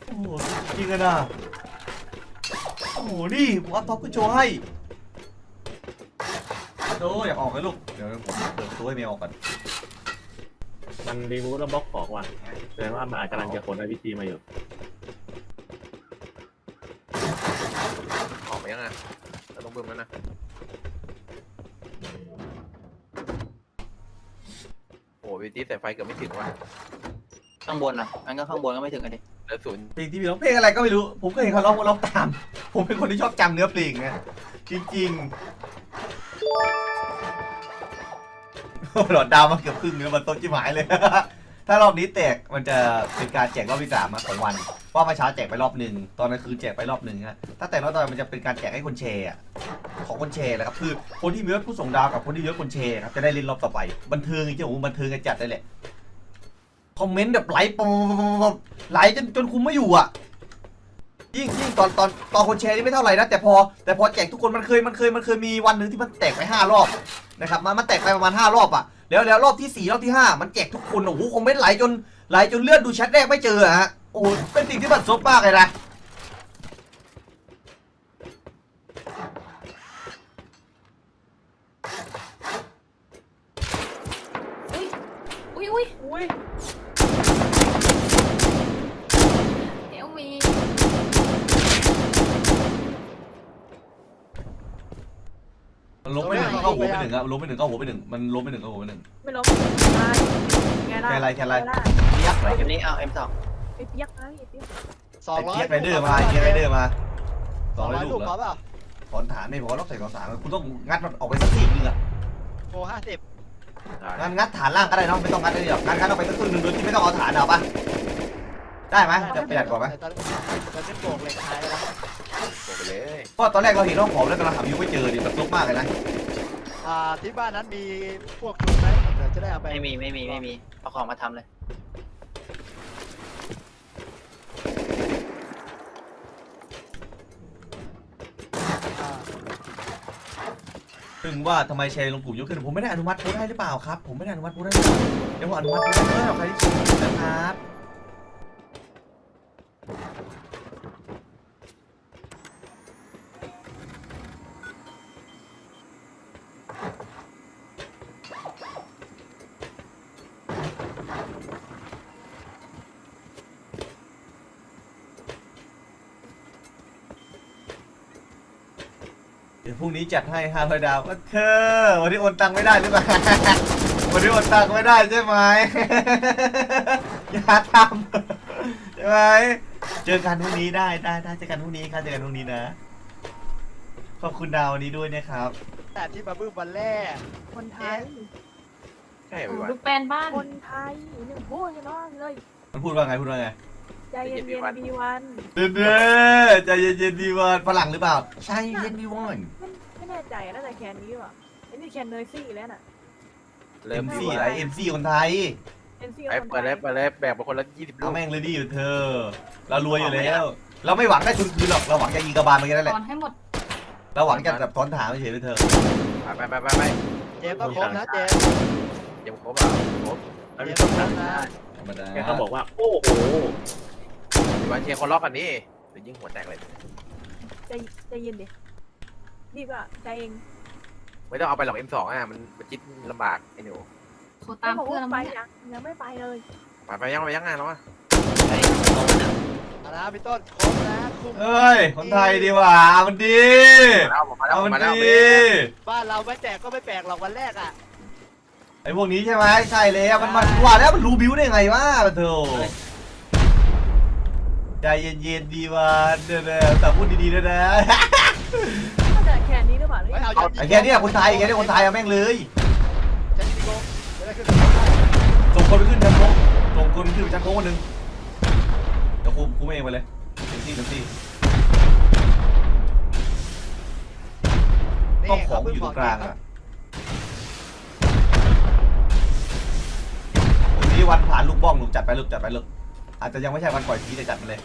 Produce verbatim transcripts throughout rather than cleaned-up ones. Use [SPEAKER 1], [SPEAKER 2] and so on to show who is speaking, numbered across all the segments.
[SPEAKER 1] โอ้โหจริงกันนะโอ้โหนี่ผมอัพท็อปขึ้นโชว์ให้โอ้อยากออกเลยลูกเดี๋ยวผมเปิดตัวให้เมย์ออกก่อน
[SPEAKER 2] มันรีมูฟแล้วบล็อกของว่ะแสดงว่ามันอาจจะกำลังจะขนไอพีซีมาอยู่
[SPEAKER 3] ออกไปยังไงเราต้องบึ้มแล้วนะโอ้พีซีใส่ไฟเกือบไม่ถึงว่ะ
[SPEAKER 4] ข้างบนอ่ะงั้นก็ข้างบนก็ไม่ถึงกันดิ
[SPEAKER 3] เหลือศูนย์
[SPEAKER 1] เพลงที่มีร้องเพลงอะไรก็ไม่รู้ผมก็เห็นเขาร้องร้องตามผมเป็นคนที่ชอบจำเนื้อเพลงนะจริงๆหลอดดาวมาเกือบครึ่งเนื้อมันต้นจิ้มหายเลย ถ้ารอบนี้แตกมันจะเป็นการแจกรอบที่สามของวันเพราะเมื่อเช้าแจกไปรอบหนึ่งตอนกลางคืนแจกไปรอบหนึ่งฮะถ้าแตกรอบต่อไปมันจะเป็นการแจกให้คนแชร์ของคนแชร์แหละครับคือคนที่มียศผู้ส่งดาวกับคนที่มียศคนแชร์ครับจะได้เล่นรอบต่อไปบันเทิงจริงๆผมบันเทิงกันจัดได้แหละคอมเมนต์แบบไหลปมไหลจนจนคุมไม่อยู่อ่ะยิ่งยิ่งตอนตอนตอนคนแชร์นี่ไม่เท่าไหร่นะแต่พอแต่พอแจกทุกคนมันเคยมันเคยมันเคยมีวันหนึ่งที่มันแตกไปห้ารอบนะครับมันมันแตกไปประมาณห้ารอบอ่ะแล้วแล้วรอบที่สี่รอบที่ห้ามันแจกทุกคนโอ้โหคอมเมนต์ไหลจนไหลจนเลื่อนดูแชทแรกไม่เจอฮะโอ้โหเป็นสิ่งที่บัดซบมากเลยนะ
[SPEAKER 5] อุ้ยอุ้ยอุ้ยเอลมี
[SPEAKER 1] มันล้มไปหนึ่งเข้าหัวไปหนึ่งอะล้มไปหนึ่งเข้าหัวไปหนึ่งมันล้มไปหนึ่งเข้าหัวไปหนึ่ง
[SPEAKER 5] ไม่ล้มตายไงล่ะ
[SPEAKER 1] แค่ไรแค่ไรเปียกไร
[SPEAKER 4] เกมนี้เอา เอ็ม สอง
[SPEAKER 5] ไอ้เปียกนะไอ้เปียก
[SPEAKER 6] สองร้อย
[SPEAKER 1] เปียกไรเดอร์มาเปียกไรเดอร์มาส
[SPEAKER 6] ส
[SPEAKER 1] อ
[SPEAKER 6] อง ง
[SPEAKER 1] ร้
[SPEAKER 6] ร้
[SPEAKER 1] อ
[SPEAKER 6] อย ย
[SPEAKER 1] ลู
[SPEAKER 6] ลู
[SPEAKER 1] ก
[SPEAKER 6] ก
[SPEAKER 1] แล้ว
[SPEAKER 6] พอเปล่า
[SPEAKER 1] ถอนฐานไม่พอต้องใส่ถอนฐานคุณต้องงัดมันออกไปสักสี่นึงอะ
[SPEAKER 6] โอ้ห้าสิบ
[SPEAKER 1] งั้นงัดฐานล่างก็ได้น้องไม่ต้องงัดได้หรอกงัดงัดออกไปสักครึ่งหนึ่งโดยที่ไม่ต้องเอาฐานเอาปะได้ไหมจะประหยัดกว่าไหม
[SPEAKER 6] ตอนตอนนี้โบกเหล็กท้ายแล้ว
[SPEAKER 3] โอ้ไปเลย
[SPEAKER 1] เพราะตอนแรกเราเห็นน้องผอมแล้วกำลังหาวิวไม่เจอดิแบบลุกมากเลยนะ
[SPEAKER 6] อ่าที่บ้านนั้นมีพวกชุดไหมเดี๋ยวจะได้เอาไป
[SPEAKER 4] ไม่มีไม่มีไม่มีเอาของมาทำเลย
[SPEAKER 6] อ่า
[SPEAKER 1] ถึงว่าทำไมแชร์ลงกลุ่มเยอะขึ้นผมไม่ได้อนุมัติโพสต์ให้หรือเปล่าครับผมไม่ได้อนุมัติโพสต์ให้เดี๋ยวผมอนุมัติโพสต์ให้ใครที่ชมนะครับเดี๋ยวพรุ่งนี้จัดให้ห้าร้อยดาวก็เธอวันนี้โอนตังค์ไม่ได้หรือเปล่า วันนี้โอนตังค์ไม่ได้ใช่ไหม อย่าทำใช่ไหมเจอกันพรุ่งนี้ได้ได้ได้เจอกันพรุ่งนี้ครับเจอกันพรุ่งนี้นะขอบคุณดาววันนี้ด้วยนะครับ
[SPEAKER 6] แต่ที่มาบึ้มวันแรก
[SPEAKER 5] คนไทย
[SPEAKER 3] ใช่ไหมวะ
[SPEAKER 5] ลูกแปลนบ้านคนไทยหนึ่งพูดกันน้องเลย
[SPEAKER 1] มันพูดว่าไงพูดว่าไง
[SPEAKER 5] ใจเย็นๆบีวัน
[SPEAKER 1] เด้อเด้อใจเย็นๆดีวันฝรั่งหรือเปล่าใช่เย็นดีวัน
[SPEAKER 5] ไม่แน่ใจน่าจะแคนนี้ว่ะไอ้นี่แคนเนยซี่แล้วน่ะ
[SPEAKER 3] เริ่
[SPEAKER 1] เอ็
[SPEAKER 3] ม
[SPEAKER 1] ม
[SPEAKER 3] ดี
[SPEAKER 1] ซี
[SPEAKER 3] ว่ะ
[SPEAKER 1] ไอเอ็มซีคนไทย
[SPEAKER 5] เอ็นซี่
[SPEAKER 3] ไอ้
[SPEAKER 5] คน
[SPEAKER 3] เปิด
[SPEAKER 5] ไท
[SPEAKER 3] เลย
[SPEAKER 5] ย
[SPEAKER 3] เปิดเลยแบกไปคนละยี่สิบลู
[SPEAKER 1] เอา
[SPEAKER 3] ก
[SPEAKER 1] แม่งเลยดีอยู่เธอเรารวยอยู่แล้ว เราไม่หวังได้ทุนคืนหรอกเราหวังจะยิงกระบาลมาแค่นั้นแห
[SPEAKER 5] ต
[SPEAKER 1] ละ
[SPEAKER 5] อนให้หมด
[SPEAKER 1] เราหวังจะแบบถอนฐานไม่เฉยเลยเธอ
[SPEAKER 3] ไปไปไปไป
[SPEAKER 6] เจมส์ต้องครบนะเจมส์
[SPEAKER 3] ยังครบอ่ะครบ
[SPEAKER 2] แล้ว
[SPEAKER 6] เจ
[SPEAKER 2] มี
[SPEAKER 6] มส์
[SPEAKER 2] ค
[SPEAKER 6] ต้
[SPEAKER 2] น
[SPEAKER 6] องคร
[SPEAKER 2] ถาม
[SPEAKER 6] บนะ
[SPEAKER 1] ธรรมดา
[SPEAKER 2] แกก็บอกว่าโอ้โห
[SPEAKER 3] วันเชียร์คนล็อกกันนี่เดี๋ยวยิงหัวแตกเลย
[SPEAKER 5] ใจใจเย็นดิดีกว่าใจเอง
[SPEAKER 3] ไม่ต้องเอาไปหรอก เอ็ม สอง อ่ะมันมันจิ๊ดลำบากไอ้หนู
[SPEAKER 5] โทรตามเพื่อนไปยังยังไม่ไปเลย
[SPEAKER 3] ไปไปยังไปยังไงแล้วอ่ะ
[SPEAKER 6] เอานะพี่ต้นครบนะคุ้ม
[SPEAKER 1] เอ้ยคนไทยดีว่ามันดี
[SPEAKER 3] มาแล้วมาแล้ว
[SPEAKER 1] เอามัน
[SPEAKER 3] มาแล้ว
[SPEAKER 1] ดี
[SPEAKER 6] บ้านเราไม่แตกก็ไม่แปลกหรอกวันแรกอ่ะ
[SPEAKER 1] ไอ้พวกนี้ใช่ไหมใช่เลยมันมันว่าแล้วมันรู้บิ้วได้ไงวะเธอใจเย็นๆดีวันเด้อแต่พูดดีๆด้วยนะ
[SPEAKER 5] น่าจะแคนนี้หรือเปล่า
[SPEAKER 6] ไม่เอา
[SPEAKER 1] ไอ้แค่นี้คนไทยไอ้แค่นี้คนไทยเอาแม่งเลย
[SPEAKER 6] จะยิงโกจะได้ขึ้น
[SPEAKER 1] ส่งคนไปขึ้นชั้นโค้งส่งคนขึ้นไปชั้นโค้งคนหนึ่งเดี๋ยวคุมคุมเองไปเลยเต็มที่เต็มที่ต้องของอยู่ตรงกลางอ่ะวันนี้วันผ่านลูกบ้องลูกจัดไปลูกจัดไปลูกอาจจะยังไม่ใช่วันปล่อยผีแต่จัดมาเลย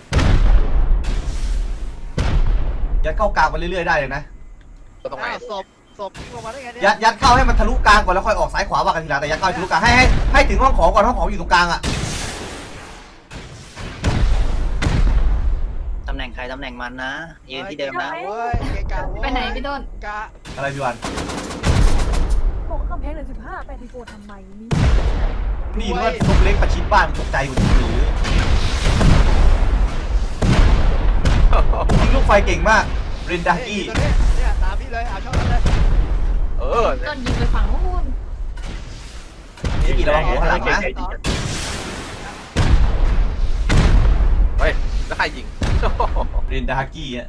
[SPEAKER 1] ยัดเข้ากลางไปเรื่อยๆได้เลยนะ
[SPEAKER 3] ก็ตรงไหน
[SPEAKER 6] ศพศพลงมาได้ไงเนี่ย
[SPEAKER 1] ยัดยัดเข้าให้มันทะลุกลางก่อนแล้วค่อยออกซ้ายขวาว่ากันทีหลังแต่ยัดเข้าให้ทะลุกลางให้ให้ให้ถึงห้องของก่อนห้องของอยู่ตรงกลางอ่ะ
[SPEAKER 4] น่งใครตำแหน่งมันนะยืนที่เดิมนะ
[SPEAKER 6] เว้ยเกะกะเว้ย
[SPEAKER 7] ไปไหนพี่ต้น
[SPEAKER 6] กะ
[SPEAKER 1] อะไรพี่วัน
[SPEAKER 5] บอกว่ากำแพงเหลือสิบห้าแปดสิบโกทำไมนี่
[SPEAKER 1] นี่ว่าตกเล็กประชิดบ้านตกใจกว่าหรือยิงลูกไฟเก่งมากเรนดากี้
[SPEAKER 6] ตัวนี้เนี่ยตามพี่เลยเอาช่องนั้นเลย
[SPEAKER 3] เออ
[SPEAKER 7] ต้นยิงไปฝั่งนู้น
[SPEAKER 1] นี่กี่ระวังหัวข้างหลังนะ
[SPEAKER 3] เฮ้ยแล้วใครยิง
[SPEAKER 1] เรนดากี้อ่ะ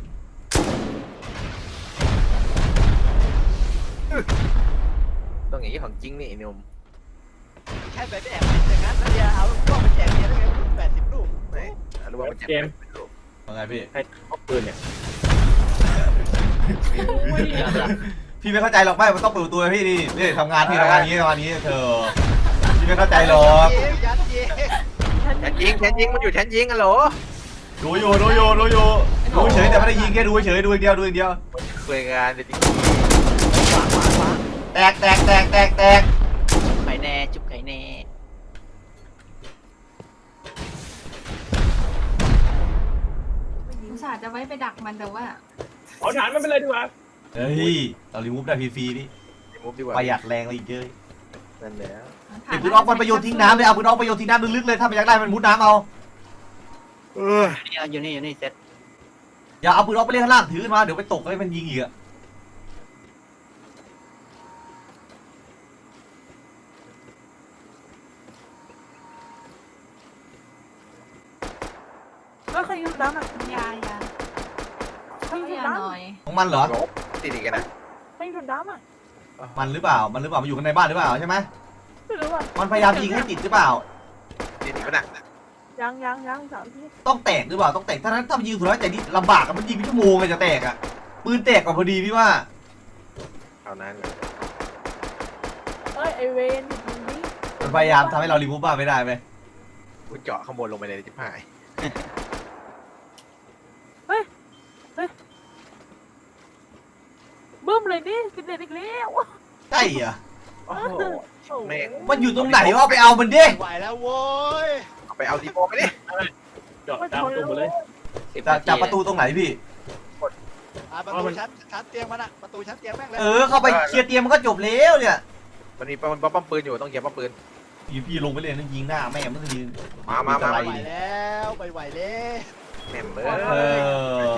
[SPEAKER 3] ต้องอย่างนี้ของจริงนี่ไอ้หนุ่ม
[SPEAKER 6] แค่ไปแอบอย่างนั้นแล้วเดียวเอาลูกกล้องไปแจกเนี่ยได้ไงแปดสิบลูก
[SPEAKER 3] ไม่รู้ว่ามันเจ็บ
[SPEAKER 2] เกม
[SPEAKER 1] ว่าไงพี่
[SPEAKER 2] ให้พกปืนเนี่ย
[SPEAKER 1] พี่ไม่เข้าใจหรอกไม่มันต้องเปิดประตูให้พี่นี่นี่ทำงานพี่ทำงานนี้ทำงานนี้เธอพี่ไม่เข้าใจหรอก
[SPEAKER 6] ยัดเยียด
[SPEAKER 3] แทนยิงแทนยิงมันอยู่แทนยิงกันเหรอ
[SPEAKER 1] ดูอยู่ดูอยู่ดูอยู่ดูเฉยแต่ไม่ได้ยิงแค่ดูเฉยดูอย่างเดียวดูอย่างเดียว
[SPEAKER 3] คุยงานเลยจริง
[SPEAKER 6] ขวางขวางขวาง
[SPEAKER 1] แตกแตกแตกแตกแตก
[SPEAKER 4] ไข่แน่จุ๊บไข่แน่
[SPEAKER 5] ไม่ยิง
[SPEAKER 7] อุตส่าห์จะไว้ไปดักมันแต่ว่า
[SPEAKER 2] เอาฐานมันไปเลยดีกว่า
[SPEAKER 1] เฮ้ยเรารีมูฟได้ฟรีๆนี่
[SPEAKER 3] มุฟดีกว่า
[SPEAKER 1] ประหยัดแรงเลยอีกเยอะ
[SPEAKER 3] นั่นแหละ
[SPEAKER 1] เก็บปืนออกมันไปโยนทิ้งน้ำเลยเอาปืนออกไปโยนทิ้งน้ำลึกๆเลยถ้ามันอยากได้มันมุดน้ำเอา
[SPEAKER 3] เออ
[SPEAKER 4] นี่อยู่นี่อยู่นี่เซ็ต
[SPEAKER 1] อย่าเอาปืนออกไปเล่นข้างล่างถือขึ้นมาเดี๋ยวไปตกให้มันยิงอีกอะ
[SPEAKER 5] เออใครยิงน้ำอ่ะ
[SPEAKER 7] ยายา
[SPEAKER 5] ใครยิง
[SPEAKER 7] ยา
[SPEAKER 5] น้ำ
[SPEAKER 7] หน่อย
[SPEAKER 1] ของมันเหรอ
[SPEAKER 3] ติดอีกนะ
[SPEAKER 5] ใครยิงน้ำอ่ะ
[SPEAKER 1] มันหรือเปล่ามันหรือเปล่ามันอยู่ข้างในบ้านหรือเปล่าใช่ไหม
[SPEAKER 5] ไม่รู้อ่ะ
[SPEAKER 1] มันพยายามยิงให้ติดหรือเปล่า
[SPEAKER 3] ติดอีกปะน่ะ
[SPEAKER 5] ยังยังยังสามที
[SPEAKER 1] ต้องแตกหรือเปล่าต้องแตกถ้านั้นถ้ามันยิงสุดท้ายแต่นี่ลำบากอะมันยิงเป็นชั่วโมงเลยจะแตกอะปืนแตกก่อนพอดีพี่ว่า
[SPEAKER 3] เอานั้น
[SPEAKER 5] เอ้ยไอเวนหยุดยิงดิ
[SPEAKER 1] มันพยายามทำให้เรารีมูฟบ้านไม่ได้ไหม
[SPEAKER 3] กูเจาะข้างบนลงไปเลยจิ๊บหาย
[SPEAKER 5] บึ้มเลยนี่สิบเอ็ดอีกแล้ว
[SPEAKER 1] ใช่เหรอ
[SPEAKER 3] โอ้โห แม่ง
[SPEAKER 1] มันอยู่ตรงไหนวะไปเอามันดิ
[SPEAKER 6] ไม่ไหวแล้วโว้ย
[SPEAKER 3] เอาไปเอาดีโปไปดิ
[SPEAKER 2] จอดตามประตูมาเลย
[SPEAKER 4] สิบ
[SPEAKER 1] จับ
[SPEAKER 4] นาที
[SPEAKER 1] จับประตูตรงไหนพี่
[SPEAKER 6] อ่าประตูชั้นชั้นเตียงมันอะประตูชั้นเตียงแม่งเลย
[SPEAKER 1] เออเข้าไปเคลียร์เตียงมันก็จบแล้วเนี่ย
[SPEAKER 3] มันมีมันป้อมปืนอยู่ต้องเก็บป้อมปืน
[SPEAKER 1] พี่พี่ลงไปเลยนั่นยิงหน้าแม่งมันก็ยิง
[SPEAKER 3] มามามา
[SPEAKER 1] อะไร
[SPEAKER 6] ไม่ไหว
[SPEAKER 1] ดิ
[SPEAKER 6] แล้วไม่ไหวแล้ว
[SPEAKER 3] แม่มเบอ
[SPEAKER 1] เอ
[SPEAKER 3] ร์
[SPEAKER 1] อ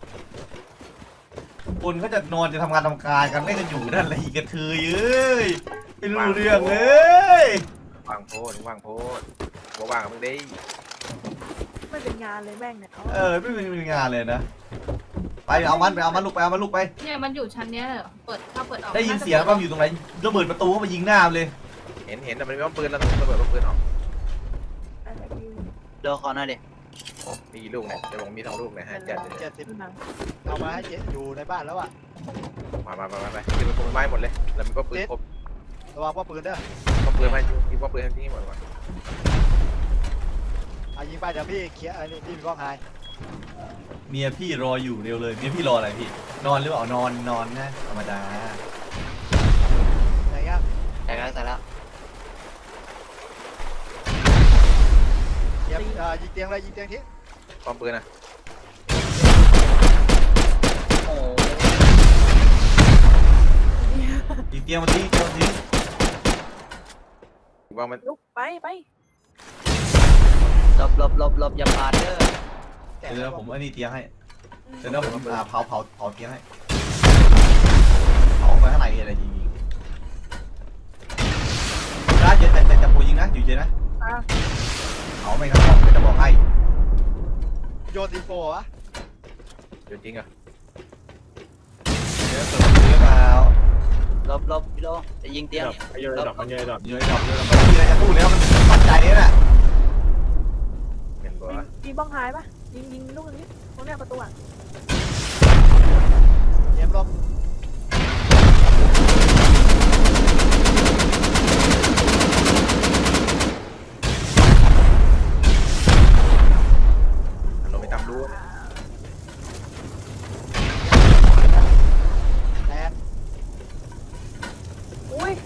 [SPEAKER 1] คนเขาจะนอนจะทำงานทำการกันไม่กันอยู่นั่นแหละอีกกระเทยเอ้ยไม่รู้เรื่องเลย
[SPEAKER 3] วางโพดวางโพดบ่วางมึงได้
[SPEAKER 5] ไม่เป็นงานเลยแม่งเนี่ยเอา
[SPEAKER 1] เออไม่มีงานเลยนะไปเอามันไปเอามันลูกไปเอามันลูกไป
[SPEAKER 7] เนี่ยมันอยู่ชั้นเนี้ยเหรอเปิดเข้าเปิดออก
[SPEAKER 1] ได้ยินเสียงว่ามันอยู่ตรงไหนระเบิดประตูเข้ามายิงหน้ามันเลย
[SPEAKER 3] เห็นเห็นแต่มันมีป้อมปืนแล้วต้องระเบิดป้อมปืนออก
[SPEAKER 5] อะไรดี
[SPEAKER 4] โดนคอหน่อยดิ
[SPEAKER 3] มีกี่ลูกเนี่ยจะบอกมีสองลูกเนี่ยฮะจัดเลย
[SPEAKER 6] เจ็ดสิบ
[SPEAKER 5] ดูหนัง
[SPEAKER 6] เอามาให้เจ๊อยู่ในบ้านแล้วอะ
[SPEAKER 3] มามามามาไปคือมันคงไม้หมดเลยแล้วมันก็ปืนครบ
[SPEAKER 6] ระวังว่าปืนเด้อ
[SPEAKER 3] ป้อมปืนมายิงป้อมปืนที่หมดก่อน
[SPEAKER 6] เอายิงไปเดี๋ยวพี่เคลียร์ไอ้นี่พี่มีกล้องไฮ
[SPEAKER 1] เมียพี่รออยู่เร็วเลยเมียพี่รออะไรพี่ นอนหรือเปล่านอนนอนนะธรรมดา
[SPEAKER 6] ไหนครับ
[SPEAKER 4] แต่แล้วแต่แล้ว
[SPEAKER 6] เตรียมเอ่อยิงเตียงเลยยิงเตียงทิ้ง
[SPEAKER 3] ป้อมปืนนะ
[SPEAKER 4] โอ้
[SPEAKER 1] อีกเตียงมาทิ้งเตียงมาทิ้ง
[SPEAKER 3] ว่ามัน
[SPEAKER 5] ลุกไปไป
[SPEAKER 4] หลบหลบหลบหลบอย่าปาดเด้อ
[SPEAKER 6] แต่
[SPEAKER 1] เดี๋ยวนะผมอันนี้เตียงให้เดี๋ยวนะผมอ่าเผาเผาเผาเตียงให้เผาไปข้างในอะไรยิงยิงนะเย็นแต่แต่แต่ปูยิงนะอยู่เย็นนะ
[SPEAKER 5] อ่ะ
[SPEAKER 1] เผาไม่ครับผมจะบอกให้
[SPEAKER 6] โยนดีโฟวะ
[SPEAKER 3] จริงอ่ะ
[SPEAKER 1] เดี๋ยวเปิดประตูหรือเปล่า
[SPEAKER 4] หลบหลบพี่โดจะยิงเตียง
[SPEAKER 2] ดอก
[SPEAKER 4] เนี่ย
[SPEAKER 2] ไปเยอะดอกมันเยอะดอก
[SPEAKER 1] เยอะจับเยอะจับไม่มีอะไรจะพูดแล้วมันปัจจัยนี้แหละ
[SPEAKER 3] เห็นบ่
[SPEAKER 5] ยิงยิงบ้องหายปะยิงยิงลูกนี้ตรงเนี้ยประตูอ่ะ
[SPEAKER 6] เตรียมลม
[SPEAKER 3] ลงไปตามรู้
[SPEAKER 6] แตก
[SPEAKER 5] อุ้ย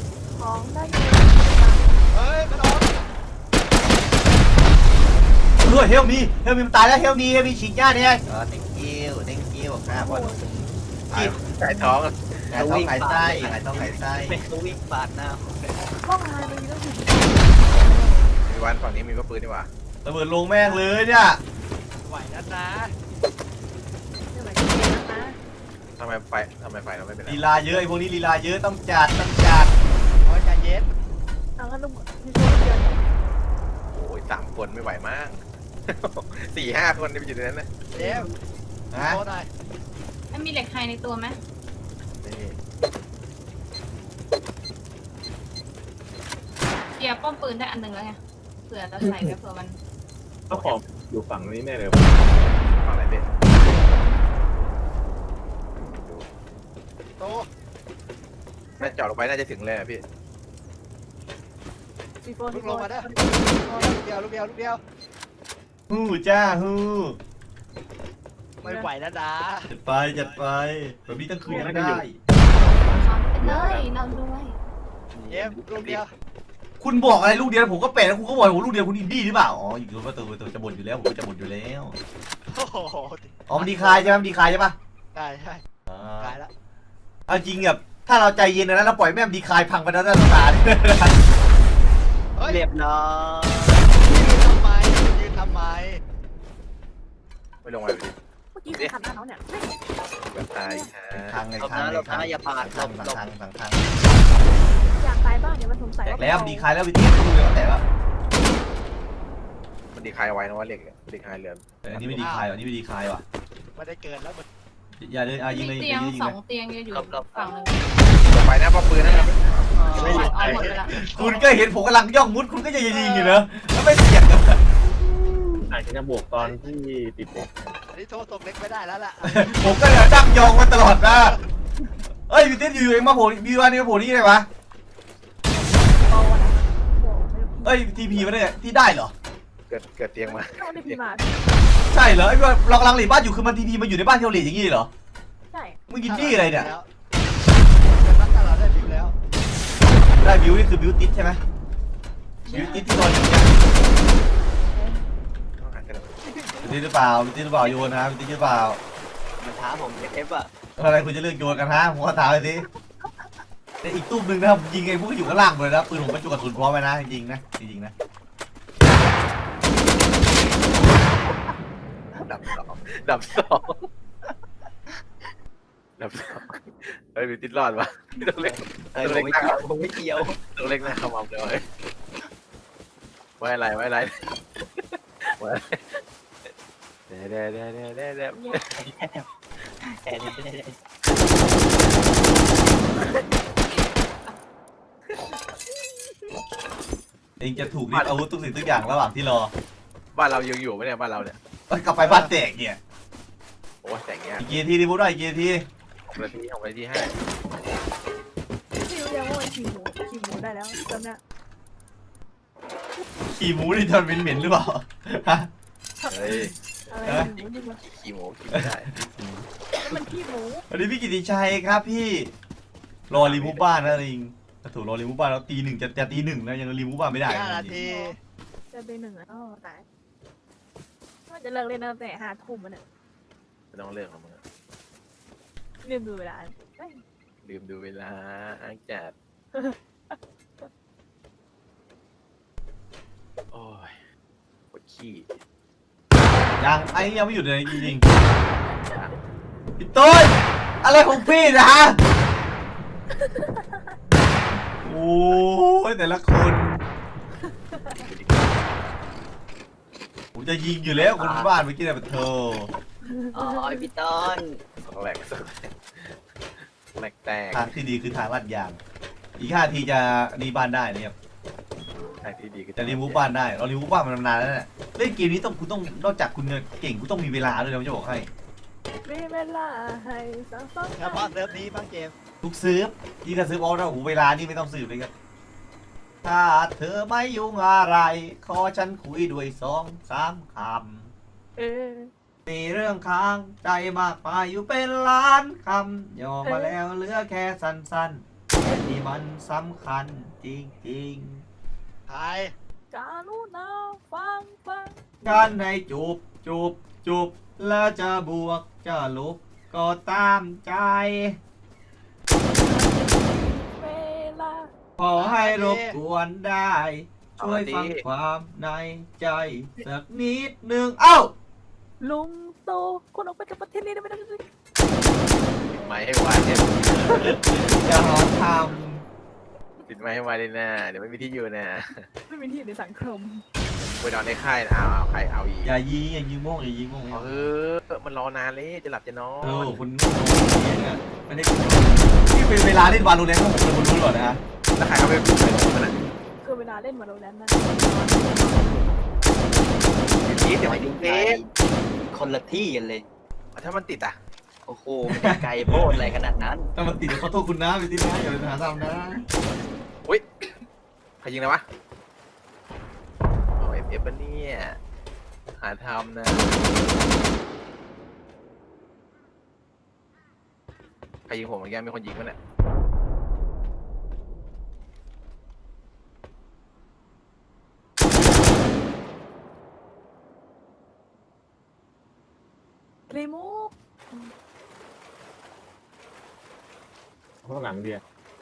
[SPEAKER 5] ของได้อยู่
[SPEAKER 6] เฮ้ยมันออก
[SPEAKER 1] เด้วยเฮลมีเฮลมีมันตายแล้วเฮลมีเฮลมีฉีกหญ้าเนี่ยอ๋อ thank you thank you ครับวัน
[SPEAKER 3] ไก่ท้อง
[SPEAKER 1] ไก่ต้องไก่ไส้ไก่ต้องไก่ไส้
[SPEAKER 4] เป็นตัววิ่งปาดหน้า
[SPEAKER 5] ห้องอะไรมันมีต้องถึง
[SPEAKER 3] มีวันฝั่งนี้มีก็ปืนดีกว่า
[SPEAKER 1] ระเบิดลงแม่งเลยเนี่ย
[SPEAKER 6] ไหวแล้วนะ
[SPEAKER 5] เนี่ยหมายถึงเองนะ
[SPEAKER 3] ทำไมไฟทำไมไฟเราไม่เป็นไร
[SPEAKER 1] ลีลาเยอะไอ้พวกนี้ลีลาเยอะต้องจัดต้องจัด
[SPEAKER 6] โอ้ยใจเย็น
[SPEAKER 5] เอางั้นลุงมีคนเดียว
[SPEAKER 3] โอ้ยสามคนไม่ไหวมาก สี่ห้าคนไปอยู่ในนั้นนะ
[SPEAKER 6] เจมส์
[SPEAKER 1] นะ
[SPEAKER 6] โทษหน่อย
[SPEAKER 7] มันมีเหล็กไฮในตัวไหม
[SPEAKER 3] นี่
[SPEAKER 7] เกียร์ป้อมปืนได้อันหนึ่งแล้วไงเผื่อเราใส่ไว้เผื่อมัน
[SPEAKER 2] เจ้าของอยู่ฝั่งนี้แน่เลย
[SPEAKER 3] ฝั่งไหนเป็น
[SPEAKER 6] โต
[SPEAKER 3] น่าจอดลงไปน่าจะถึงเลยอะพี่
[SPEAKER 5] ซีโฟ
[SPEAKER 6] ลุ
[SPEAKER 5] ซี
[SPEAKER 6] ก
[SPEAKER 5] โฟ
[SPEAKER 6] ลงมาเด้อลูกเดียวลูกเดียวลูกเดียว
[SPEAKER 1] ฮู้จ้าฮู้
[SPEAKER 6] ไม่ไหวแล้วนะ
[SPEAKER 1] จัดไปจัดไปแบบนี้ตั้งคืนยังได้
[SPEAKER 7] ซ้อนไปเลยเราด้วย
[SPEAKER 6] เจมส์ลูกเดียว
[SPEAKER 1] คุณบอกอะไรลูกเดียวผมก็เป็นแล้วคุณก็บอกผมลูกเดียวคุณอินดี้หรือเปล่าอ๋ออยู่ประตูประตูจะบ่นอยู่แล้วผมก็จะบ่นอยู่แล้ว
[SPEAKER 6] โอ้โห
[SPEAKER 1] อ๋อมันดีคลายใช่ไหมมันดีคลายใช่ปะ
[SPEAKER 6] ได้ใช่
[SPEAKER 1] อ่า
[SPEAKER 6] ตายแล้ว
[SPEAKER 1] เอาจริงแบบถ้าเราใจเย็นนะเราปล่อยแม่มดีคลายพังไปแล้วนะตา
[SPEAKER 6] เฮ้ย
[SPEAKER 4] เรียบร้อย
[SPEAKER 6] ยืนทำไมยืนทำไม
[SPEAKER 3] ไม่ลงไปดิ
[SPEAKER 5] เมื่อกี้คือขัดหน้าเขาเนี่ย
[SPEAKER 3] แบบตายฮะ
[SPEAKER 1] ทางไง
[SPEAKER 4] หลบ
[SPEAKER 1] ทาง
[SPEAKER 4] นะ
[SPEAKER 1] ไง
[SPEAKER 4] หลบ
[SPEAKER 1] ทาง
[SPEAKER 4] นะอย่าปาดหล
[SPEAKER 1] ทาง
[SPEAKER 4] บหลบ
[SPEAKER 1] ทางทางทาง
[SPEAKER 5] อยากตายบ้างเนี่ยมันสงสัย
[SPEAKER 1] แตก
[SPEAKER 5] ว่า
[SPEAKER 1] แล้วดีคลายแล้ววิธีลูกเดียวก็แตกแล้ว
[SPEAKER 3] มันดีคลายไว้นะว่าเหล็กอะดีคลายเรือน
[SPEAKER 1] เอออันนี้ไม่ดีคลายว่ะอันนี้ไม่ดีคลายว่ะ
[SPEAKER 6] ไม่ได้เกิดแล้วมัน
[SPEAKER 1] อย่าเลยอ่ะยิงเลย
[SPEAKER 7] มี
[SPEAKER 1] ยิ
[SPEAKER 7] เตีย
[SPEAKER 1] ง
[SPEAKER 7] ง
[SPEAKER 1] เลยยิง
[SPEAKER 7] สอ
[SPEAKER 1] เล
[SPEAKER 7] ง
[SPEAKER 1] ย
[SPEAKER 7] เตียงอยู่ฝั่งหนึ่ง
[SPEAKER 3] ลงไปนะป้อมปืนนะครับ
[SPEAKER 7] ไม่หมดเอาหมดไปละ
[SPEAKER 1] คุณก็เห็นผมกำลังย่องมุดคุณก็จะยิงอยู่เนอะแล้วไม่เสียงกัน
[SPEAKER 2] อาจจะบวกตอนที่ติดเด็ก
[SPEAKER 6] อันนี้โทษตกเล็กไม่ได้แล้วล่ะ
[SPEAKER 1] ผมก็จะตั้งยองมาตลอดนะเอ้ยวิเทสอยู่เองมาโผล่บีวานนี่มาโผล่นี่ไงวะ
[SPEAKER 5] โตนะโตไม่
[SPEAKER 1] เอ้ยทีพีมาเนี่ยที่ได้เหรอ
[SPEAKER 3] เกิดเกิดเตียงมา
[SPEAKER 5] ต้องได้พีมา
[SPEAKER 1] ใช่เหรอไอ้ว่าเรากำลังหลีบ้านอยู่คือมันทีพีมาอยู่ในบ้านเทลเลตอย่างงี้เหรอ
[SPEAKER 5] ใช่
[SPEAKER 1] มึงกินนี่อะไรเนี่ย
[SPEAKER 6] เป็นรักษาเราได้ผิวแล้ว
[SPEAKER 1] ได้บิวนี่คือบิวติดใช่ไหมบิวติดที่นอนอยู่เนี่ย
[SPEAKER 3] ต้องหากัน
[SPEAKER 1] บิวติดหรือเปล่าบิวติดหรือเปล่าโยนนะบิวติดหรือเปล่า
[SPEAKER 4] มันท้าผมเอฟอ่ะ
[SPEAKER 1] อะไรคุณจะเลือกโยนกันฮะผมก็ถามเลยสิแต่อีกตู้มหนึ่งนะครับยิงไอ้พวกที่อยู่ข้างล่างเลยนะปืนผมบรรจุกระสุนพร้อมไว้นะจริงๆนะจริงๆนะ
[SPEAKER 3] ดับสองดับสองดับสองเฮ้ยมีติดรอดวะต้องเล็ก
[SPEAKER 4] เอ้ยผมไม่เกี่ยวผมไม่เกี่ยว
[SPEAKER 3] ต้องเล็กนะขมำเลยไว้อะไรไว้อะไรไว้อะไรเด้เด้เด้เด้เด้เด้
[SPEAKER 4] แอนนี่ไม่ได้
[SPEAKER 1] เองจะถูกยึดอาวุธทุกสิ่งทุกอย่างระหว่างที่รอ
[SPEAKER 3] บ้านเรายังอยู่ไหมเนี่ยบ้านเราเนี่ย
[SPEAKER 1] เอ้ยกลับไปบ้านแตกเนี่ย
[SPEAKER 3] โอ้ยแต่งเงี้ย
[SPEAKER 1] อีกกี่นาทีดิพูดหน่อยอีกกี่นาที
[SPEAKER 3] นาทีของนาทีห้า
[SPEAKER 5] พี่รู้ยังว่ามันขี่หมูขี่หมูได้แล้วจำเนี่ย
[SPEAKER 1] ขี่หมูนี่ทนเหม็นๆหรือเปล่าฮะ
[SPEAKER 3] เฮ้ย
[SPEAKER 5] อะไรหมูนี่มัน
[SPEAKER 3] ขี่หมูขี่ไม่ได้
[SPEAKER 5] มันขี้หมู
[SPEAKER 1] สวัสดีพี่กิติชัยครับพี่รอรีมูฟบ้านนะลิงถ้าถูกรอรีมูฟบ้านแล้วตีหนึ่งจะจะตีหนึ่งแล้วยังรีมูฟบ้านไม่ได้
[SPEAKER 6] ห้านาที
[SPEAKER 5] จะไปหนึ่งอ่ะอ๋อตายว่าจะเลิกเล่นตั้งแต่ห้าทุ่มมันเนี่ย
[SPEAKER 3] ไม่ต้องเลือกหรอกมึง
[SPEAKER 5] ลืมดูเวลาเอ้ย
[SPEAKER 3] ลืมดูเวลาอ้างจัดโอ้ยปวดขี้
[SPEAKER 1] ยังไอ้นี่ยังไม่หยุดเลยจริงๆพี่ต้นอะไรของพี่นะฮะโอ้ยแต่ละคนผมจะยิงอยู่แล้วคนบ้านเมื่อกี้เนี่ยเป็นเธอ
[SPEAKER 4] อ๋อไอพี่ต้น
[SPEAKER 3] สองแหลกสองแหลกแหลกแตก
[SPEAKER 1] ทางที่ดีคือทางลาดยาง อีกห้าทีจะรีบ้านได้นะครับ
[SPEAKER 3] ทางที่ดีก็
[SPEAKER 1] จะรีมูฟบ้านได้เรารีมูฟบ้านมันนานแล้วเนี่ยเล่นเกมนี้ต้องคุณต้องนอกจากคุณจะเก่งคุณต้องมีเวลาด้วยนะผมจะบอกให้
[SPEAKER 5] มีเวลาให้สังสรรค์
[SPEAKER 6] เฉพาะเซิร์ฟนี้บ้างเกม
[SPEAKER 1] ทุกซื้อยิ่งถ้าซื้อออลนะโอ้โหเวลานี่ไม่ต้องซื้อเลยครับถ้าเธอไม่ยุ่งอะไร ขอฉันคุยด้วยสองสามค
[SPEAKER 5] เออ
[SPEAKER 1] ำมีเรื่องค้างใจมากมายอยู่เป็นล้านคำย่อมาแล้วเหลือแค่สั้นๆแต่นี่มันสำคัญจริง
[SPEAKER 6] ทาย
[SPEAKER 5] การุณาฟังฟัง
[SPEAKER 1] การในจูบจูบจูบแล้วจะบวกจะลบก็ตามใจ
[SPEAKER 5] เวลา
[SPEAKER 1] ขอให้รบกวนได้ ช่วยฟังความในใจสักนิดหนึ่งเอ้า
[SPEAKER 5] ลุงโตคนออกไปจากประเทศนี้ได้ไหมได้ไหม
[SPEAKER 3] ปิดไม้ให้ไวเนี่ย
[SPEAKER 1] อย่าหาท
[SPEAKER 3] ปิดไม้ให้ไวเลยนะเดี๋ยวไม่มีที่อยู่นะ
[SPEAKER 5] ไม่มีที่ในสังคม
[SPEAKER 3] ไปนอนในค่ายนะเอาเอาใครเอาอีก
[SPEAKER 1] ำอย่ายิงอย่ายิงโม่งอย่ายิงโม่ง
[SPEAKER 3] เออมันรอนานเลยจะหลับจะนอ
[SPEAKER 1] เออน คุณเนี่ยไม่ได้ที่เป็นเวลาเล่นวาโลแรนต์ของผมเลยคุณรู้หรอนะฮะ
[SPEAKER 3] แล้วใครเขาไปพูดอะไรของมันอ่ะ
[SPEAKER 5] คือเวลาเล่นมาโรแลนด์นั่น
[SPEAKER 3] พีทเดี๋ยวมายิงเกม
[SPEAKER 4] คนละที่กันเลย
[SPEAKER 3] ถ้ามันติดอ่ะ
[SPEAKER 4] โอ้โหมันจะไกลโพดอะไรขนาดนั้น
[SPEAKER 1] ถ้ามันติดเดี๋ยวขอโทษคุณนะพี่ติ๊นะอย่าไปหาทำนะ
[SPEAKER 3] อุ้ยใครยิงนะวะเอาเอฟเอฟปะเนี่ยหาทำนะใครยิงผมเมื่อกี้มีคนยิงมั้ยเนี่ย
[SPEAKER 5] เรมูฟ
[SPEAKER 2] ข้างหลังเดียว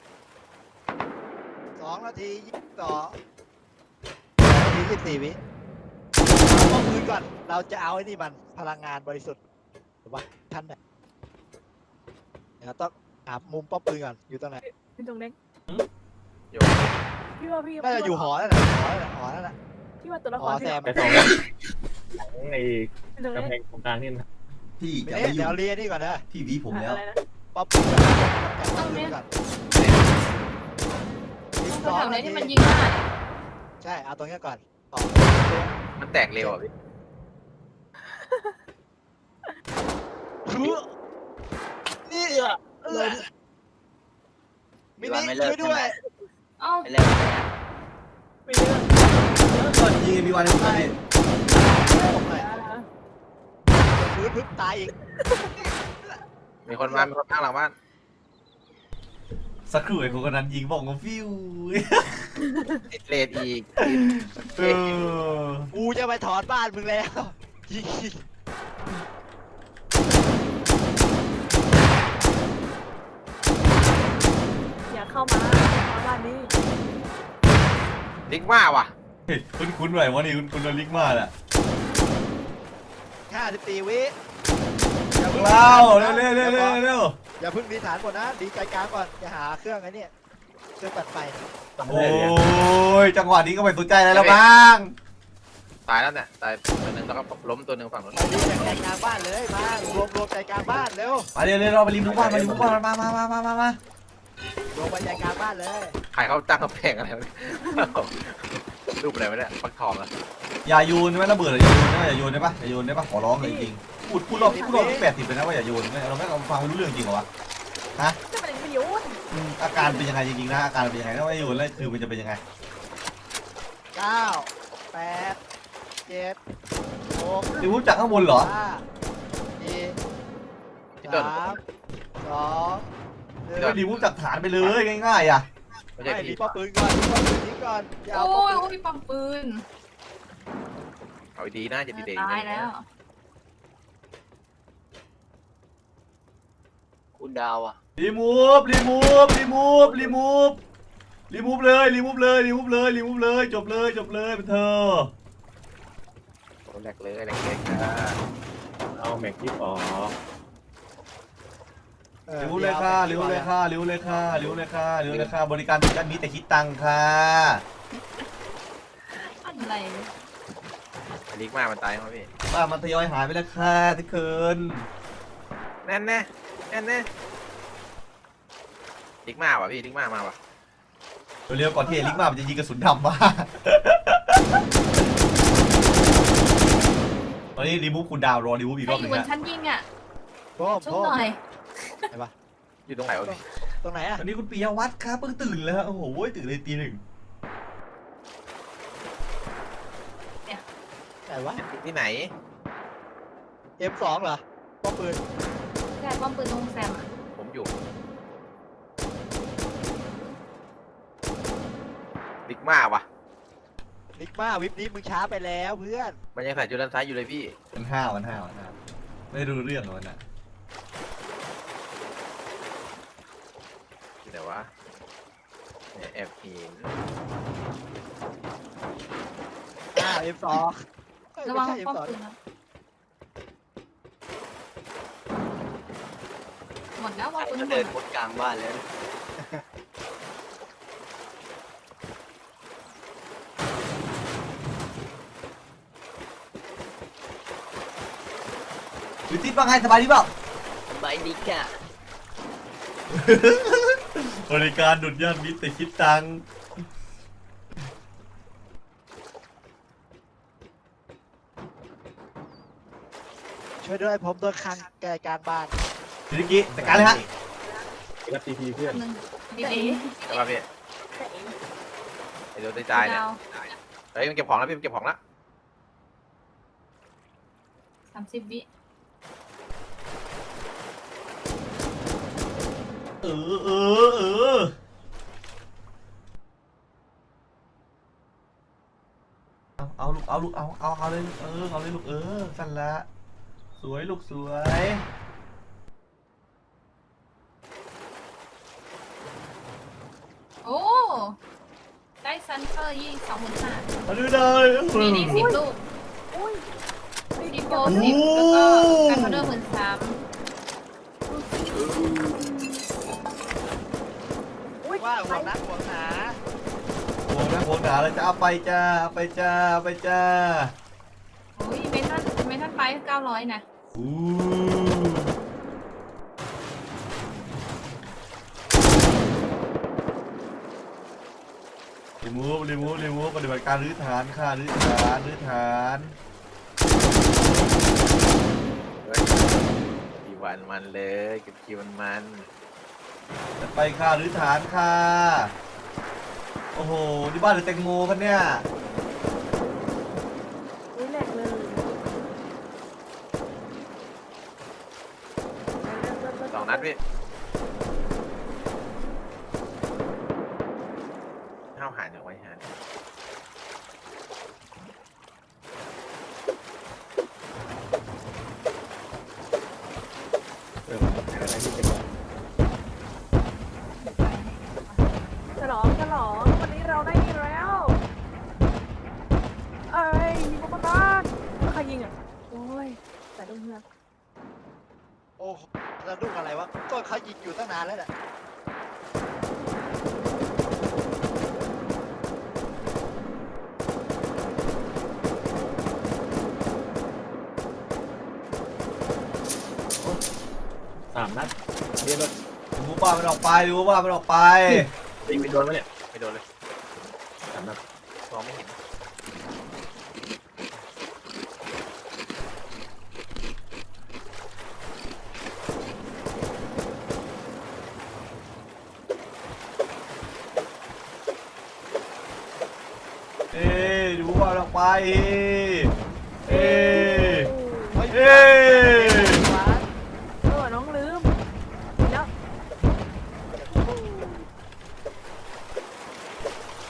[SPEAKER 6] สองนาทียี่สิบต่อนาทียี่สิบสี่วิเอาป้อมปืนก่อนเราจะเอาไอ้นี่มันพลังงานบริสุทธิ์หรือว่าท่านไหนเดี๋ยวต้องหามุมป้อมปืนก่อนอยู่ตรงไหน
[SPEAKER 5] เป็นตรงเล็ก
[SPEAKER 3] โย
[SPEAKER 5] พี่ว่าพี่
[SPEAKER 6] น่าจะอยู่หอนั่นแหละหอนั่นแหละหอนั่นแหละ
[SPEAKER 5] พี่ว่าตัวละค
[SPEAKER 6] หอ
[SPEAKER 5] ร
[SPEAKER 6] แซ
[SPEAKER 5] ที่
[SPEAKER 6] ม
[SPEAKER 2] แต่สองหลังใน
[SPEAKER 5] เป็นตรง
[SPEAKER 2] กำแพ
[SPEAKER 5] เล็ก
[SPEAKER 2] งตรงกลางนี่นะ
[SPEAKER 1] พี่
[SPEAKER 6] เดี๋
[SPEAKER 1] จะ
[SPEAKER 6] ยว
[SPEAKER 1] ไม่อ
[SPEAKER 6] เดี๋
[SPEAKER 1] ยู่
[SPEAKER 6] ยวเรียนนี่ก่อนนะ
[SPEAKER 1] พี่หวีผมแล้ว
[SPEAKER 5] อะไรนะ
[SPEAKER 6] ป้อมปืนก่อนจับป้อมปืนก่อนอีก
[SPEAKER 7] แถ
[SPEAKER 6] สอง
[SPEAKER 7] วไหน
[SPEAKER 6] นาที
[SPEAKER 7] ที่มันยิงได้
[SPEAKER 6] ใช่เอาตรงนี้ก่อนต่อ
[SPEAKER 3] มันแตกเร็วอ่ะพี่
[SPEAKER 6] คือนี่อ่ะเลยมินิช่วยด้วย
[SPEAKER 7] เอ้า
[SPEAKER 4] ไปแล้ว
[SPEAKER 5] ไม่เยอะ
[SPEAKER 1] ก่อนยิงพี่วันให้ผมดิ
[SPEAKER 6] ผมหน่อยพื้นพึ่งตายอีก
[SPEAKER 3] มีคนมามีคนข้างหลังบ้าน
[SPEAKER 1] สักครู่ไอ้คนคนนั้นยิงบอกว่าฟิว
[SPEAKER 3] ติดเลดอีก
[SPEAKER 1] เออ
[SPEAKER 6] กูจะไปถอนบ้านมึงแล้วยิง
[SPEAKER 5] อย่าเข้ามามาบ้านนี้
[SPEAKER 3] ลิงว่าว่ะ
[SPEAKER 1] เฮ้ยคุณคุณหน่อยวะนี่คุณคุณโดนลิกมาแหละ
[SPEAKER 6] ห้าสิบสี่วิ
[SPEAKER 1] เล่าเร็วเร็วเร็วเร็วเร็ว
[SPEAKER 6] อย่าเพิ่งดีฐานก่อนนะดีใจกลางก่อนจะหาเครื่องไอ้นี่เครื่องปัดไฟ
[SPEAKER 1] โอ้ยจังหวะนี้ก็ไม่สนใจอะไรแล้วบ้าง
[SPEAKER 3] ตายแล้วเนี่ยตายตัวหนึ่งแล้วก็ล้มตัวหนึ่งฝั่งนู้น
[SPEAKER 6] มาดีจากใจกลางบ้านเลยมารวมรวมใจกลางบ้านเร็ว
[SPEAKER 1] มาเร็วเร็วเราไปริมมุกบ้านมาริมมุกบ้านมามามามามามา
[SPEAKER 6] รวมไปใจกลางบ้านเลย
[SPEAKER 3] ใครเขาตั้งกำแพงอะไรวะเนี่ยรูปอะไรวะเนี่ยฟักทองอ่ะ
[SPEAKER 1] อย่าโยนไม่ระเบิดอย่าโยนนะอย่าโยนได้ปะอย่าโยนได้ปะขอร้องเลยจริงพูดพูดรอบพูดรอบที่แปดสิบเลยนะว่าอย่าโยนเราไม่เราฟังไม่รู้เรื่องจริงเหรอวะ
[SPEAKER 5] จะเป็นประโยชน์
[SPEAKER 1] อืมอาการเป็นยังไงจริงๆนะอาการเป็นยังไงถ้าไม่โยนแล้วคือมันจะเป็นยังไง
[SPEAKER 6] เก้าแปดเจ็ดหก
[SPEAKER 1] ริมมุกจากข้างบนเหรอ
[SPEAKER 6] ห้าสี่สามสองหนึ่ง
[SPEAKER 1] ก็ริมมุกจากฐานไปเลยง่ายๆอ่ะ
[SPEAKER 3] ไม่ใช่
[SPEAKER 6] ไม่
[SPEAKER 3] พี
[SPEAKER 6] มีป้อมปืนก่อนมีป้อมปืนทิ้งก่อนอย่าเอา
[SPEAKER 7] โอ้
[SPEAKER 6] ป้อม
[SPEAKER 7] ย
[SPEAKER 6] ปืน
[SPEAKER 7] โอ้ยปั๊มปืน
[SPEAKER 3] เอาดีนะจะดีเด่น
[SPEAKER 7] ตายแล้ว
[SPEAKER 4] คุณดาวอ่ะ
[SPEAKER 1] รีมูฟรีมูฟรีมูฟรีมูฟรีมูฟเลยรีมูฟเลยรีมูฟเลยรีมูฟเลยจบเลยจบเลยเป็นเธอ
[SPEAKER 3] โอ้แหลกเลยแหลกเลยค่ะ
[SPEAKER 2] เอาแม็กที่ออก
[SPEAKER 6] ออ
[SPEAKER 1] รีมูฟเลยค่ะรีมูฟเลยค่ะรีมูฟเลยค่ะรีมูฟเลยค่ะรีมูฟเลยค่ะบริการด้านนี้แต่คิดตังค่ะ
[SPEAKER 7] อะไร
[SPEAKER 3] ลิงมามันตายมั้ยพี่
[SPEAKER 1] บ้ามันทยอยหายไปแล้วค่ะที่เคิน
[SPEAKER 3] แน่นแน่แน่นแน่ลิงมาว่ะพี่ลิงมามาว่ะ
[SPEAKER 1] เร็วๆก่อนที่ไอ้ลิกมามันจะยิงกระสุนดำมาตอนนี้รีมูฟคุณดาวรอรีมูฟอีก
[SPEAKER 7] ใคร
[SPEAKER 1] รอบ
[SPEAKER 7] อ
[SPEAKER 1] หนึ่
[SPEAKER 7] ยู่
[SPEAKER 1] ง
[SPEAKER 7] บน
[SPEAKER 1] ฮะ
[SPEAKER 7] ชั้นยิงอ่ะ
[SPEAKER 6] โป้ม
[SPEAKER 7] ชุบ
[SPEAKER 6] โป้ม
[SPEAKER 7] หน่อย
[SPEAKER 3] อยู่ตรงไหนวะพี่
[SPEAKER 6] ตรงไหนอ่ะ
[SPEAKER 1] ตอนนี้คุณปิยวัฒน์ครับเพิ่งตื่นแล้วโอ้โหตื่นเลยตีหนึ่ง
[SPEAKER 6] ไหนวะ
[SPEAKER 3] ที่ไหน
[SPEAKER 6] เอ็มสองเหรอป้อมปืน
[SPEAKER 7] แค่ปั๊มปืนตรงแซมอ่ะ
[SPEAKER 3] ผมอยู่ลิงมาว่ะ
[SPEAKER 6] นบิ๊กมาวิปนี้มึงช้าไปแล้วเพื่อน
[SPEAKER 3] มันยังใส่จุดด้านซ้ายอยู่เลยพี่
[SPEAKER 1] มันห้าวมันห้าวมันห้าวไม่รู้เรื่องมันอ่ะ
[SPEAKER 3] ที่ไหนวะเนี่ยแอบเห็น
[SPEAKER 6] อ้าวเอ็มสอง
[SPEAKER 7] ระวัง
[SPEAKER 6] ไม่ใช่เอ็ม
[SPEAKER 7] ป้อม
[SPEAKER 6] สอง
[SPEAKER 7] ปืนนะหมดแล้วว่าปืน
[SPEAKER 4] ก็
[SPEAKER 7] หม
[SPEAKER 4] เดิ
[SPEAKER 7] ด
[SPEAKER 4] นบนกลางบ้านแล้ว
[SPEAKER 1] วิทิตว่าไงสบายดีเปล่า
[SPEAKER 4] ใบดีก่ะ
[SPEAKER 1] บริการดุดยอดมิตรแต่คิดตังค์
[SPEAKER 6] ช่วยด้วยผมโดนคังแกกลางบ้าน
[SPEAKER 1] ทีนี้กี้จัดการเลยฮะ
[SPEAKER 2] รับทีพีเพื่อน
[SPEAKER 7] หนึ่งดีเอ
[SPEAKER 3] ใช่ป่ะพี่ไอ้โดนตายๆเนี่ย
[SPEAKER 7] ดาว
[SPEAKER 3] เฮ้ยมันเก็บของแล้วพี่มันเก็บของแล้ว
[SPEAKER 7] สามสิบวิ
[SPEAKER 1] เออเออเออเอาเอาลูกเอาลูกเอาเอาเอาเลยลูกเออเอาเลยลูกเออสั่นละสวยลูกสวย
[SPEAKER 7] โอ้ได้ซันเฟอร์ยี่สองหมื่นห้า
[SPEAKER 1] เอาดูเลย
[SPEAKER 7] มีดีสิบลูก
[SPEAKER 5] อุ้ย
[SPEAKER 7] ดีโฟสิบแล้วก็การคอนเดอร์หมื่นสาม
[SPEAKER 5] อุ้ย
[SPEAKER 6] ว่าห่วงนักห่วงหนา
[SPEAKER 1] โอ้นะโหหนาเลยจะเอาไปจ้าเอาไปจ้าเอาไปจ้า
[SPEAKER 7] โอ้ยเมทัลเมทัลไปเก้าร้อยนะ
[SPEAKER 1] อู้รีมูฟรีมูฟรีมูฟปฏิบัติการรื้อฐานค่ะรื้อฐานรื้อฐาน
[SPEAKER 3] เฮ้ยกี่วันมันเลยเก็บคิวมันมัน
[SPEAKER 1] จะไปค่ะรื้อฐานค่ะ โอ้โหที่บ้านหรือแตงโมกันเนี่ย
[SPEAKER 5] อุ้ยแหลกเลย
[SPEAKER 3] สองนัดพี่ห้าวหายเอาไว้หา
[SPEAKER 2] เอออะไรที่เป็น
[SPEAKER 5] ฉลองฉลองวันนี้เราได้ยินแล้ว เอ้ยยิงมาบ้านใครยิงอ่ะ โอ้ยแต่ลูกเมือง
[SPEAKER 6] โอ้โหแล้วดุกอะไรวะก็เขายิงอยู่ตั้งนานแล้วแหละ
[SPEAKER 2] สามนัดเรียนรถ
[SPEAKER 1] ดูบ้านมันออกไปดูบ้านมันออกไป
[SPEAKER 2] ยิงไปโดนไหมเนี่ย
[SPEAKER 3] ไม่โดนเลย
[SPEAKER 2] สามนัด
[SPEAKER 3] มองไม่เห็น
[SPEAKER 1] เอ้ดูบ้านมันออกไป เอ้
[SPEAKER 6] เฮ้ย
[SPEAKER 1] เอ้